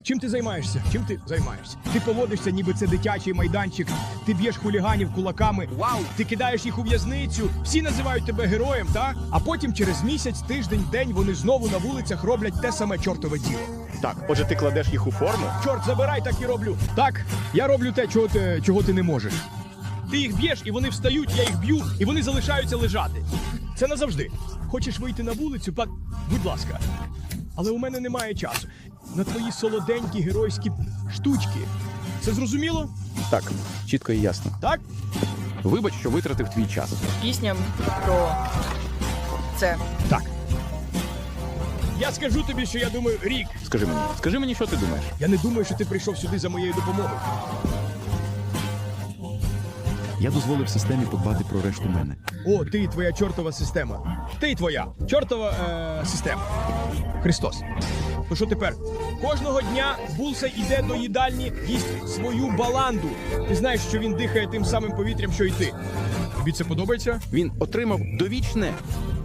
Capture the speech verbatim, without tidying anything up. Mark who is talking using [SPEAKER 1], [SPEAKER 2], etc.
[SPEAKER 1] Чим ти займаєшся? Чим ти займаєшся? Ти поводишся, ніби це дитячий майданчик. Ти б'єш хуліганів кулаками. Вау! Ти кидаєш їх у в'язницю. Всі називають тебе героєм, так? А потім через місяць, тиждень, день вони знову на вулицях роблять те саме чортове діло.
[SPEAKER 2] Так, отже, ти кладеш їх у форму?
[SPEAKER 1] Чорт забирай, так і роблю. Так, я роблю те, чого ти, чого ти не можеш. Ти їх б'єш, і вони встають, я їх б'ю, і вони залишаються лежати. Це назавжди. Хочеш вийти на вулицю? Пак, будь ласка. Але у мене немає часу. На твої солоденькі геройські штучки. Це зрозуміло?
[SPEAKER 2] Так, чітко і ясно.
[SPEAKER 1] Так?
[SPEAKER 2] Вибач, що витратив твій час.
[SPEAKER 3] Пісня про це.
[SPEAKER 1] Так. Я скажу тобі, що я думаю, Рік.
[SPEAKER 2] Скажи мені, скажи мені, що ти думаєш?
[SPEAKER 1] Я не думаю, що ти прийшов сюди за моєю допомогою.
[SPEAKER 4] Я дозволив системі подбати про решту мене.
[SPEAKER 1] О, ти і твоя чортова система. Ти і твоя чортова е, система. Христос. То що тепер? Кожного дня Булса йде до їдальні, їсть свою баланду. Ти знаєш, що він дихає тим самим повітрям, що й ти. Тобі це подобається?
[SPEAKER 2] Він отримав довічне